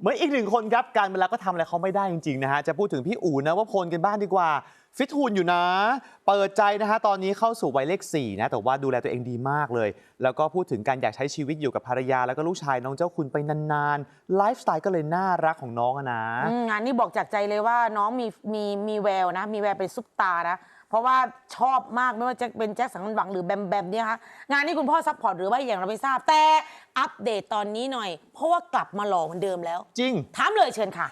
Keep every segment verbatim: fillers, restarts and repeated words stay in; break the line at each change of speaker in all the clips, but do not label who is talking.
เหมือนอีกหนึ่งคนครับการเวลาก็ทำอะไรเขาไม่ได้จริงๆนะฮะจะพูดถึงพี่อู๋นะว่าพลกันบ้างดีกว่าฟิตหุ่นอยู่นะเปิดใจนะฮะตอนนี้เข้าสู่วัยเลขสี่นะแต่ว่าดูแลตัวเองดีมากเลยแล้วก็พูดถึงการอยากใช้ชีวิตอยู่กับภรรยาแล้วก็ลูกชายน้องเจ้าคุณไปนานๆไลฟ์สไตล์ก็เลยน่ารักของน้องนะ
งานนี้บอกจากใจเลยว่าน้องมีมีมีแววนะมีแววเป็นซุปตาร์นะเพราะว่าชอบมากไม่ว่าจะเป็นแจ็คสันหวังหรือแบมแบมเนี่ยคะงานนี้คุณพ่อซัพพอร์ตหรือว่าอย่างเราไม่ทราบแต่อัปเดตตอนนี้หน่อยเพราะว่ากลับมาหล่อเหมือนเดิมแล้ว
จริง
ถามเลยเชิญค่ะ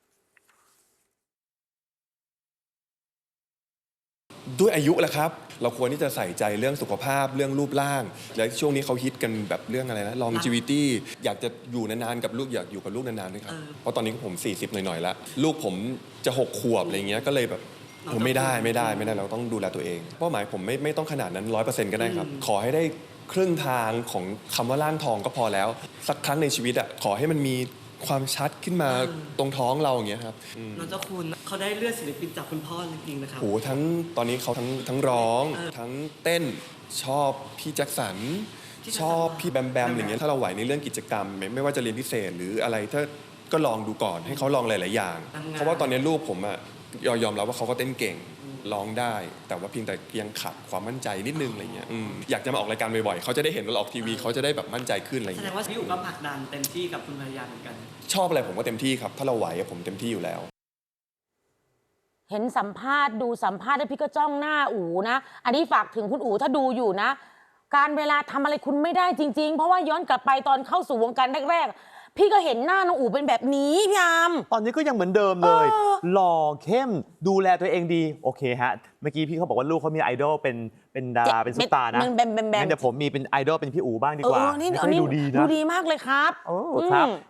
ด้วยอายุแหละครับเราควรที่จะใส่ใจเรื่องสุขภาพเรื่องรูปร่างและช่วงนี้เขาฮิตกันแบบเรื่องอะไรนะ longevity อยากจะอยู่นานๆกับลูกอยากอยู่กับลูกนานๆด้วยครับเพราะตอนนี้ผมสี่สิบหน่อยๆแล้วลูกผมจะหกขวบอะไรเงี้ยก็เลยแบบผมไม่ได้ไม่ได้ไม่ได้เราต้องดูแลตัวเองเป้าหมายผมไม่ไม่ต้องขนาดนั้น ร้อยเปอร์เซ็นต์ ก็ได้ครับขอให้ได้ครึ่งทางของคำว่าร่างทองก็พอแล้วสักครั้งในชีวิตอ่ะขอให้มันมีความชัดขึ้นมาตรงท้องเราอย่างเงี้ยครับ
น้องเจ้าคุณเขาได้เลือดศิลปินจากคุณพ่อจริงๆนะครับ
โหทั้งตอนนี้เขาทั้งทั้งร้องทั้งเต้นชอบพี่แจ็คสันชอบพี่แบมแบมอย่างเงี้ยถ้าเราไหวในเรื่องกิจกรรมไม่ไม่ว่าจะเรียนพิเศษหรืออะไรถ้าก็ลองดูก่อนให้เขาลองหลายๆอย่างเพราะว่าตอนนี้ลูกผมอะยอมรับว่าเขาก็เต้นเก่งร้องได้แต่ว่าเพียงแต่ยังขาดความมั่นใจนิดนึงอะไรเงี้ยอยากจะมาออกรายการบ่อยๆเขาจะได้เห็นเราออกทีวีเขาจะได้แบบมั่นใจขึ้นอะไร
แสด
เงี้
ง
ย
ว่าพี่อู๋ก็ผลักดันเต็มที่กับคุณภรรยาเหมือนกัน
ชอบอะไรผมก็เต็มที่ครับถ้าเราไหวผมเต็มที่อยู่แล้ว
เห็นสัมภาษณ์ดูสัมภาษณ์แล้วพี่ก็จ้องหน้าอู๋นะอันนี้ฝากถึงคุณอู๋ถ้าดูอยู่นะการเวลาทำอะไรคุณไม่ได้จริงๆเพราะว่าย้อนกลับไปตอนเข้าสู่วงการแรกๆพี่ก็เห็นหน้าน้องอู๋เป็นแบบนี้พี่อาม
ตอนนี้ก็ยังเหมือนเดิมเลยหล่อเข้มดูแลตัวเองดีโอเคฮะเมื่อกี้พี่เขาบอกว่าลูกเขามีไอดอลเป็นเป็นดาราเป็นซุปตาร์นะงั้นเดี๋ยวผมมีเป็นไอดอลเป็นพี่อู๋บ้างดีกว่า
นี่ดูดีนะดูดีมากเลยครับ
โอ้ครับ